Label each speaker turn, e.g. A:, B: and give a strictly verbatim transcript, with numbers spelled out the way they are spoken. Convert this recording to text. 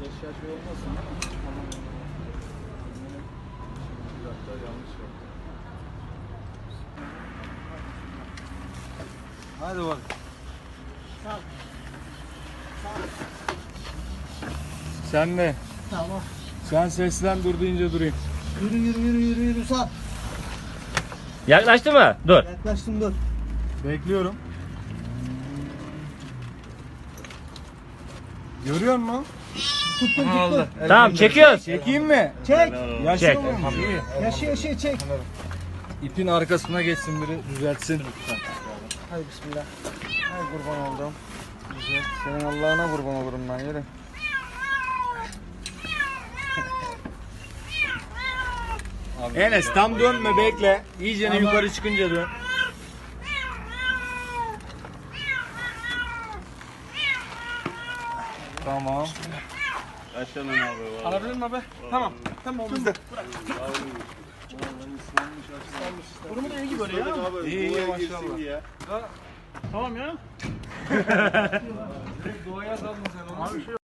A: Eşya şey olmasın değil mi? Bir dakika yanlış yaptım. Hadi bak.
B: Sağ. Sağ.
A: Sen ne?
B: Tamam.
A: Sen seslen dur deyince durayım.
B: Yürü yürü yürü yürü yürü sağ.
C: Yaklaştı mı? Dur.
B: Yaklaştım dur.
A: Bekliyorum. Görüyor musun?
B: Tuttum
A: Aldı.
B: tuttum.
C: Tamam çekiyoruz.
A: Çekeyim mi?
B: Çek.
A: Yaşıyor
C: Çek.
A: muyum? İyi.
B: Yaşıyor yaşıyor çek.
A: İpin arkasına geçsin biri düzeltsin.
B: Hadi bismillah.
A: Ay kurban oldum. Güzel. Senin Allah'ına kurban olurum ben yürü. Enes tam dönme bekle. İyice
B: Tamam.
A: yukarı çıkınca dön. Tamam.
D: Aşağıdan abi var.
B: Alabilir miyim abi? Tamam. Tamam bizde. Durumu da iyi gibi böyle ya.
D: Abi,
A: İyi, iyi,
D: duvara
A: maşallah.
D: girsin diye.
B: Tamam ya.
A: Doğaya daldın sen onu.